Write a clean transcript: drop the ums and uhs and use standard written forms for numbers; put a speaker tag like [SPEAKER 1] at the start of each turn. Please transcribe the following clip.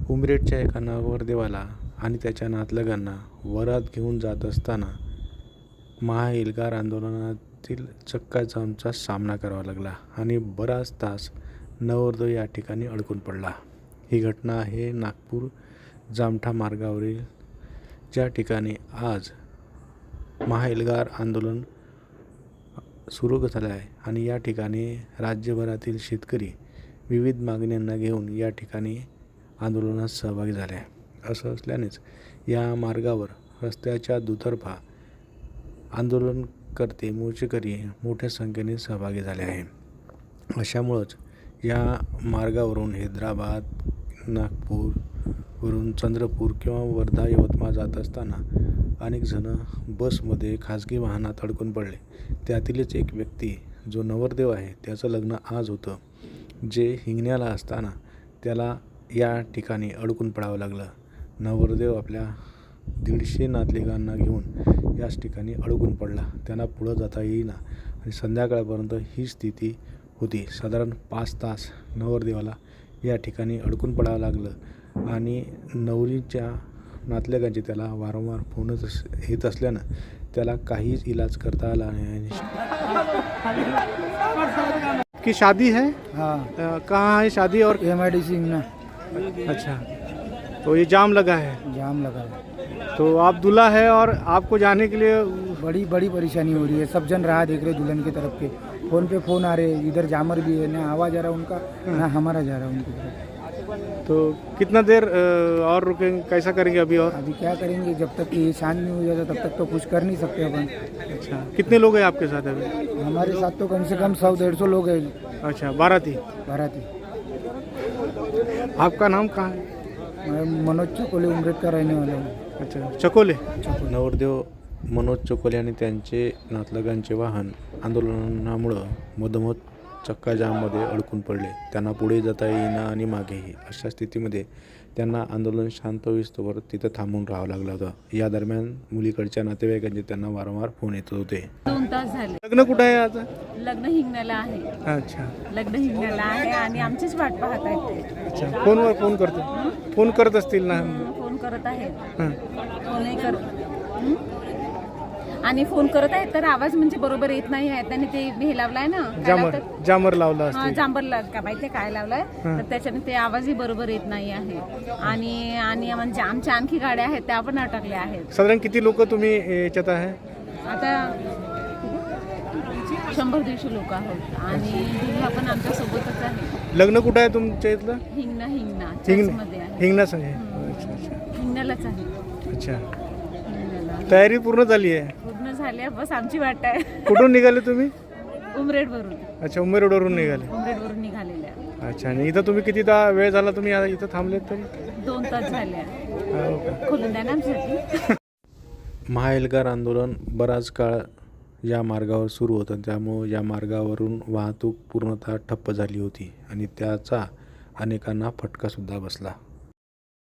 [SPEAKER 1] उमरेडच्या एका नवरदेवाला आणि त्याच्या नातलगांना वरात घेऊन जात असताना महाएल्गार आंदोलनातील चक्काजामचा सामना करावा लागला आणि बराच तास नवरदेव या ठिकाणी अडकून पडला। ही घटना आहे नागपूर जामठा मार्गावरील, ज्या ठिकाणी आज महाएल्गार आंदोलन सुरू झालं आहे आणि या ठिकाणी राज्यभरातील शेतकरी विविध मागण्यांना घेऊन या ठिकाणी आंदोलनात सहभागी झाले आहे। असं असल्यानेच या मार्गावर रस्त्याच्या दुतर्फा आंदोलनकर्ते मोर्चेकरी मोठ्या संख्येने सहभागी झाले आहे। अशामुळंच या मार्गावरून हैदराबाद, नागपूरवरून चंद्रपूर किंवा वर्धा, यवतमाळ जात असताना अनेक जण बसमध्ये, खाजगी वाहनात अडकून पडले। त्यातीलच एक व्यक्ती जो नवरदेव आहे, त्याचं लग्न आज होतं, जे हिंगण्याला असताना त्याला या ठिकाणी अडकून पडावं लागलं। नवरदेव आपल्या 150 नातलगांना घेऊन याच ठिकाणी अडकून पडला। त्यांना पुढं जाता येईना आणि संध्याकाळपर्यंत ही स्थिती होती। साधारण 5 तास नवरदेवाला या ठिकाणी अडकून पडावं लागलं आणि नवरीच्या नातलगांचे त्याला वारंवार फोन येत असल्यानं त्याला काहीच इलाज करता आला नाही।
[SPEAKER 2] की शादी है?
[SPEAKER 3] हाँ,
[SPEAKER 2] कहाँ है शादी? और
[SPEAKER 3] MIDC में
[SPEAKER 2] अच्छा, तो ये जाम लगा है,
[SPEAKER 3] जाम लगा है।
[SPEAKER 2] तो आप दूल्हा है और आपको जाने के लिए
[SPEAKER 3] बड़ी बड़ी परेशानी हो रही है। सब जन राह देख रहे दुल्हन की तरफ के, फोन पे फोन आ रहे, इधर जामर भी है, ना आवाज आ रहा उनका, ना हमारा जा रहा उनकी तरफ।
[SPEAKER 2] तो कितना देर और रुकेंगे, कैसा करेंगे अभी? और
[SPEAKER 3] अभी क्या करेंगे, जब तक ये शांत नहीं हो जाता तब तक तो कुछ कर नहीं सकते अपन।
[SPEAKER 2] अच्छा, कितने लोग हैं आपके साथ अभी?
[SPEAKER 3] हमारे साथ तो कम से कम 100-150 लोग हैं।
[SPEAKER 2] अच्छा, बाराती।
[SPEAKER 3] बाराती।
[SPEAKER 2] आपका नाम कहाँ है?
[SPEAKER 3] मैं मनोज चकोले, उमरेड का रहने वाला हूँ।
[SPEAKER 2] अच्छा, चकोले।
[SPEAKER 1] नवरदेव मनोज चकोले आणि त्यांचे नातलगांचे वाहन आंदोलनामुळं मधोमध चक्काजाममध्ये अडकून पडले। त्यांना पुढे जाता येईना आणि मागेही। अशा स्थितीमध्ये त्यांना आंदोलन शांत होईस्तोवर तिथं थांबून राहावं लागलं होतं। या दरम्यान मुलीकडच्या नातेवाईकांचे त्यांना वारंवार फोन येत होते।
[SPEAKER 4] 2 तास झाले।
[SPEAKER 2] लग्न कुठं आहे आता?
[SPEAKER 4] लग्न हिंगण्याला आहे।
[SPEAKER 2] अच्छा
[SPEAKER 4] लग्न हिंगण्याला आहे आणि आमचीच वाट पाहत आहेत ते।
[SPEAKER 2] अच्छा, फोनवर फोन करतो, फोन करत असतील ना?
[SPEAKER 4] फोन करत आहेत,
[SPEAKER 2] हां,
[SPEAKER 4] फोनही करत आणि फोन करत आहेत तर आवाज म्हणजे बरोबर येत नाही आहे। त्यांनी ते हे लावलाय ना,
[SPEAKER 2] जामर लावला
[SPEAKER 4] हा,
[SPEAKER 2] असतील।
[SPEAKER 4] जांभर का माहिती काय लावलाय, तर त्याच्याने ते आवाजही बरोबर येत नाही आहे। आणि आणि म्हणजे आमच्या आणखी गाड्या आहेत त्या पण अटकल्या आहेत।
[SPEAKER 2] साधारण किती लोक तुम्ही याच्यात आहे?
[SPEAKER 4] आता 100-150 लोक आहोत आणि दुल्हा पण आमच्या सोबतच आहे।
[SPEAKER 2] लग्न कुठं आहे तुमच्या इथलं?
[SPEAKER 4] हिंगणा चर्चमध्ये आहे।
[SPEAKER 2] हिंगणाच आहे। अच्छा अच्छा
[SPEAKER 4] हिंगण्यालाच आहे।
[SPEAKER 2] अच्छा,
[SPEAKER 4] हिंगण्याला
[SPEAKER 2] तयारी पूर्ण झाली आहे?
[SPEAKER 4] पूर्ण झाली, बस आमची वाट आहे।
[SPEAKER 2] कुठून निघाले तुम्ही?
[SPEAKER 4] उमरेड वरून।
[SPEAKER 2] अच्छा, उमेरवरून निघाले।
[SPEAKER 4] उमरेड वरून निघालेल्या।
[SPEAKER 2] अच्छा, आणि इथं तुम्ही किती वेळ झाला तुम्ही इथं थांबलेत तरी?
[SPEAKER 4] 2 तास झाले।
[SPEAKER 2] हो का?
[SPEAKER 4] खोलून द्या ना आमच्यासाठी।
[SPEAKER 1] महाएल्गार आंदोलन बराच काळ या मार्गावर सुरू होतं, त्यामुळे या मार्गावरून वाहतूक पूर्णतः ठप्प झाली होती आणि त्याचा अनेकांना फटकासुद्धा बसला।